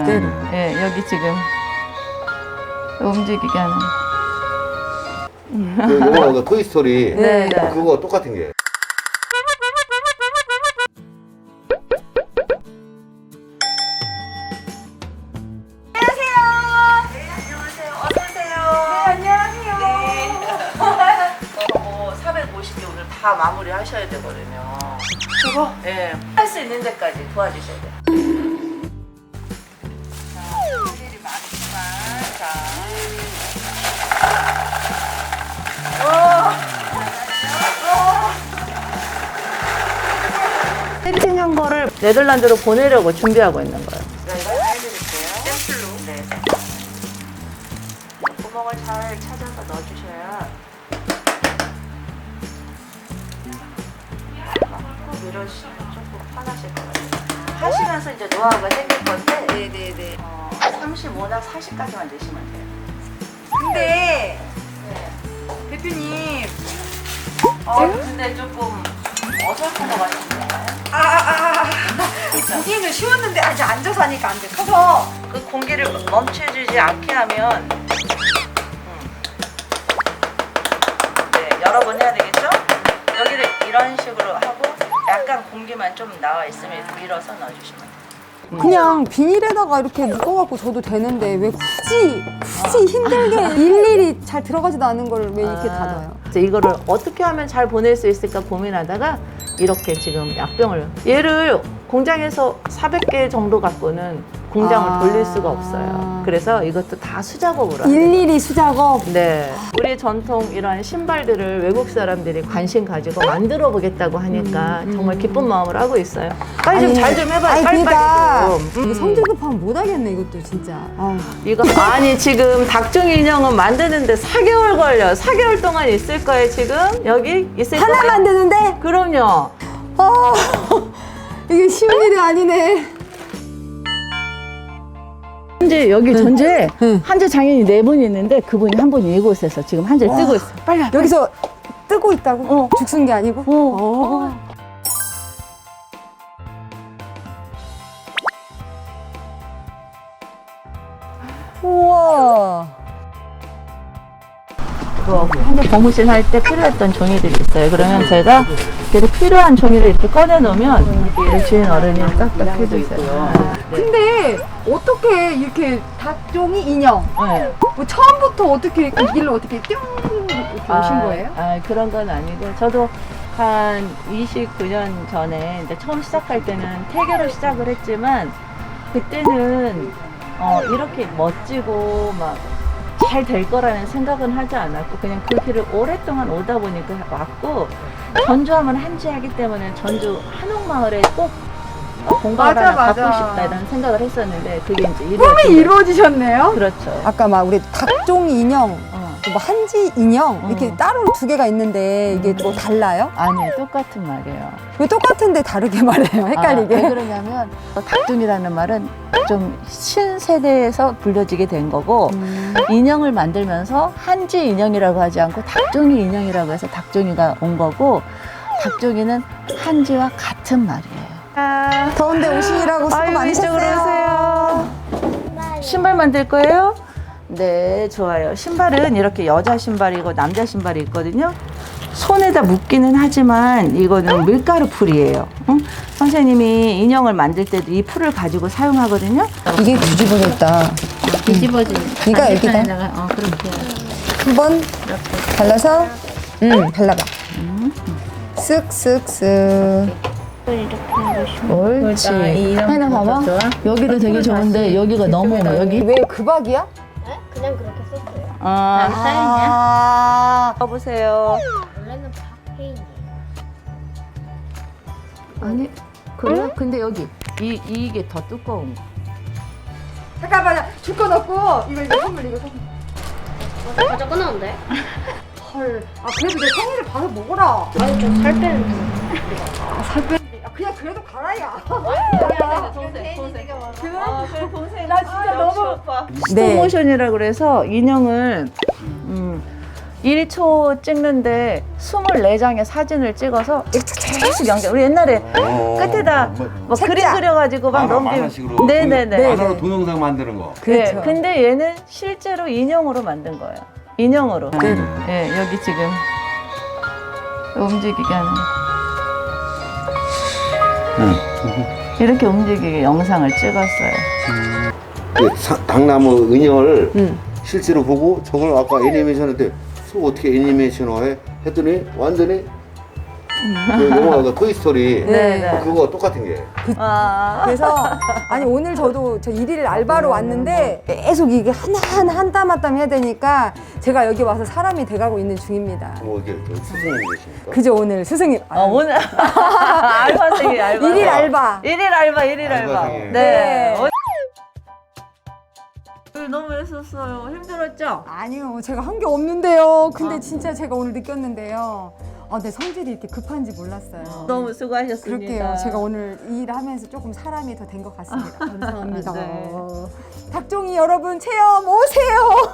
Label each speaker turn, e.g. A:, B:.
A: 그대로.
B: 예, 여기 지금 움직이게 하는.
C: 요거 토이스토리
B: 네, 네.
C: 그거 똑같은 게.
B: 다 마무리 하셔야 되거든요. 그거? 예. 할 수 있는 데까지 도와주셔야 돼요. 자, 할 일이 많지만, 자. 세팅한 거를 네덜란드로 보내려고 준비하고 있는 거예요. 제가 이걸 해드릴게요. 샘플로. 네. 구멍을 잘 찾아서 넣어주셔야 이러시면 조금 편하실 것 같아요. 하시면서 이제 노하우가 생길 건데, 네네네. 35나 40까지만 내시면 돼요.
A: 근데
B: 네.
A: 대표님
B: 근데 조금 어설픈 것 같은데.
A: 보기는 쉬웠는데 아직 앉아서 하니까 안 돼. 커서
B: 그 공기를 멈춰주지 않게 하면, 네, 여러 번 해야 되겠죠? 여기를 이런 식으로 하고, 약간 공기만 좀 나와 있으면 밀어서 넣어주시면 돼요.
D: 그냥 비닐에다가 이렇게 묶어갖고 줘도 되는데 왜 굳이 힘들게 일일이 잘 들어가지도 않은 걸 왜 이렇게 닫아요?
B: 이제 이거를 어떻게 하면 잘 보낼 수 있을까 고민하다가 이렇게 지금 약병을, 얘를 공장에서 400개 정도 갖고는 공장을 돌릴 수가 없어요. 그래서 이것도 다 수작업으로 하는 거예요.
D: 일일이 수작업.
B: 네, 우리 전통 이런 신발들을 외국 사람들이 관심 가지고 만들어 보겠다고 하니까 정말 기쁜 마음으로 하고 있어요. 빨리 좀 잘 좀 해봐요.
D: 그러니까
B: 빨리 좀.
D: 이게 성질 급하면 못하겠네 이것도 진짜.
B: 이거 아니 지금 닭종이 인형은 만드는데 4개월 걸려. 4개월 동안 있을 거예요 지금. 여기 있을 거예요.
D: 하나 만드는데?
B: 그럼요.
D: 이게 쉬운 일이 아니네.
B: 현재 여기 전주에
D: 응.
B: 한재 장인이 4분이 있는데 그분이 한 분이 이곳에서 지금 한재를 뜨고 있어. 빨리 와.
D: 여기서 뜨고 있다고? 죽순 게 아니고? 우와.
B: 현재 고무신 할 때 필요했던 종이들이 있어요. 그러면 제가 이렇게 필요한 종이를 이렇게 꺼내 놓으면 우리 주인 어른이 딱딱 해주세요.
D: 근데 어떻게 이렇게 닭종이 인형?
B: 네.
D: 뭐 처음부터 어떻게 이 길로 어떻게 뿅 이렇게 오신 거예요?
B: 그런 건 아니고 저도 한 29년 전에 이제 처음 시작할 때는 태교로 시작을 했지만 그때는 이렇게 멋지고 막 잘 될 거라는 생각은 하지 않았고 그냥 그 길을 오랫동안 오다 보니까 왔고 전주하면 한지하기 때문에 전주 한옥마을에 꼭 공간을 하나 갖고 싶다 이런 생각을 했었는데 그게 이제
D: 꿈이 이루어지셨네요?
B: 그렇죠.
D: 아까 막 우리 닭종 인형, 뭐 한지 인형 이렇게 따로 2개가 있는데 이게 뭐 달라요?
B: 아니요, 똑같은 말이에요.
D: 왜 똑같은데 다르게 말해요? 헷갈리게.
B: 왜 그러냐면 닭종이라는 말은 좀 신세대에서 불려지게 된 거고 인형을 만들면서 한지 인형이라고 하지 않고 닭종이 인형이라고 해서 닭종이가 온 거고 닭종이는 한지와 같은 말이에요.
D: 더운데 오시느라고 수고 많으셨어요.
B: 이쪽으로 오세요. 신발 만들 거예요? 네, 좋아요. 신발은 이렇게 여자 신발이고 남자 신발이 있거든요. 손에다 묶기는 하지만 이거는 밀가루 풀이에요. 응? 선생님이 인형을 만들 때도 이 풀을 가지고 사용하거든요.
D: 이게 뒤집어졌다.
B: 뒤집어지는.
D: 이가 여기다.
B: 그렇게.
D: 한번 발라서 발라봐. 쓱쓱쓱. 옳지. 하나 봐봐. 여기도 되게 좋은데 여기가 너무 여기. 왜 그박이야?
E: 네? 그냥 그렇게 썼어요.
D: 아.
B: 써보세요.
E: 원래는 박페인이에요.
B: 아니 그래요? 근데 여기 이게 더 두꺼운 거.
D: 잠깐만, 줄 거 넣고 이거 선물 이거 선물.
E: 가져 끊었는데?
D: 헐. 아 그래도 내 생일을 봐서 먹어라.
E: 아니 좀 살 빼는데.
D: 살 빼는데. 그냥 그래도 가라야.
B: 동생.
D: 나 진짜 너무.
B: 스톱모션이라고 그래서 인형을 1초 찍는데 24장의 사진을 찍어서 계속 연결. 우리 옛날에 끝에다 뭐 그림
D: 책자.
B: 그려가지고 막
C: 만화식으로.
B: 네네네.
C: 만화로 동영상 만드는 거.
B: 네,
D: 그렇죠.
B: 근데 얘는 실제로 인형으로 만든 거예요. 인형으로. 예, 여기 지금 움직이게 하는. 이렇게 움직이게 영상을 찍었어요.
C: 당나무 인형을
D: 응.
C: 실제로 보고 저걸 아까 애니메이션한테 어떻게 애니메이션화해? 했더니 완전히 그 영화 그 토이스토리
B: 네.
C: 그거 똑같은 게.
B: 아,
D: 그래서 아니 오늘 저도 저 일일 알바로 왔는데 계속 이게 하나하나 한 땀 한 땀 해야 되니까 제가 여기 와서 사람이 돼가고 있는 중입니다.
C: 뭐 이게 스승님 계십니까?
D: 그죠 오늘 스승님.
B: 오늘 알바생이 알바.
D: 일일 알바.
B: 일일 알바, 일일 알바.
C: 알바생이에요.
B: 네.
D: 네.
B: 너무 했었어요. 힘들었죠?
D: 아니요 제가 한 게 없는데요. 근데 진짜 제가 오늘 느꼈는데요. 내 성질이 이렇게 급한지 몰랐어요.
B: 너무 수고하셨습니다.
D: 그럴게요. 제가 오늘 일하면서 조금 사람이 더 된 것 같습니다. 감사합니다.
B: 네.
D: 닭종이 여러분 체험 오세요.